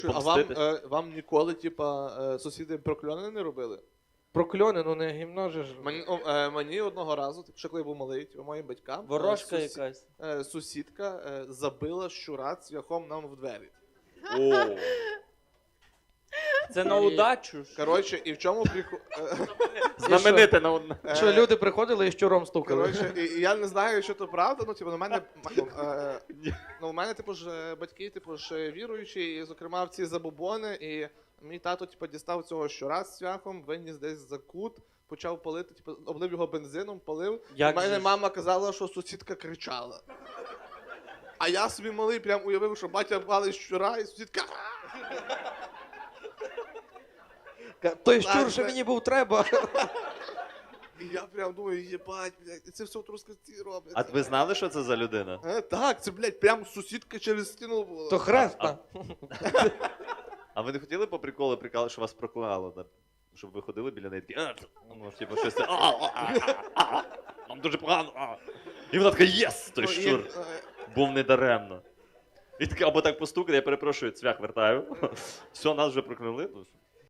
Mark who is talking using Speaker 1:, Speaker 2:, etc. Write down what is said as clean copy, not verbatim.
Speaker 1: А вам,
Speaker 2: помститись.
Speaker 1: вам ніколи, типа, сусіди прокльони не робили?
Speaker 3: Прокльони, ну не гімно же ж.
Speaker 1: Мені одного разу, типу, ще коли я був малий, типу, моїм батькам,
Speaker 4: Ворожка якась.
Speaker 1: сусідка забила щура цвяхом нам в двері.
Speaker 2: О,
Speaker 4: Це на удачу ж.
Speaker 1: Коротше, і в чому прикол...
Speaker 2: знамените на одне.
Speaker 3: Що люди приходили і щуром стукали.
Speaker 1: Коротше, і я не знаю, що то правда, ну, типу, у мене, типу, ж батьки, типу, ж віруючі, і, зокрема, в ці забобони, і мій тато, типу, дістав цього щура з цвяхом, виніс десь за кут, почав палити, типу, облив його бензином, палив.
Speaker 4: Як
Speaker 1: У мене
Speaker 4: же ж?
Speaker 1: мама казала, що сусідка кричала. А я собі малий прям уявив, що батя палить щура, і сусідка...
Speaker 3: Той щур,
Speaker 1: Так,
Speaker 3: що
Speaker 1: це-
Speaker 3: мені був треба.
Speaker 1: І я прям думаю, єбать, блядь, і це все в Трускавці роблять.
Speaker 2: А ви знали, що це за людина?
Speaker 1: Так, це, блядь, прям сусідка через стіну була.
Speaker 3: То хреста.
Speaker 2: А ви не хотіли по приколу прикали, що вас проклало? Да? Щоб ви ходили біля неї такі, ну, типу, щось це, нам дуже погано. І вона така, єс, той
Speaker 1: Ну, і,
Speaker 2: щур. Був недаремно. І таке, або так постукати, я перепрошую, цвях вертаю. Все, нас вже прокляли. Ну,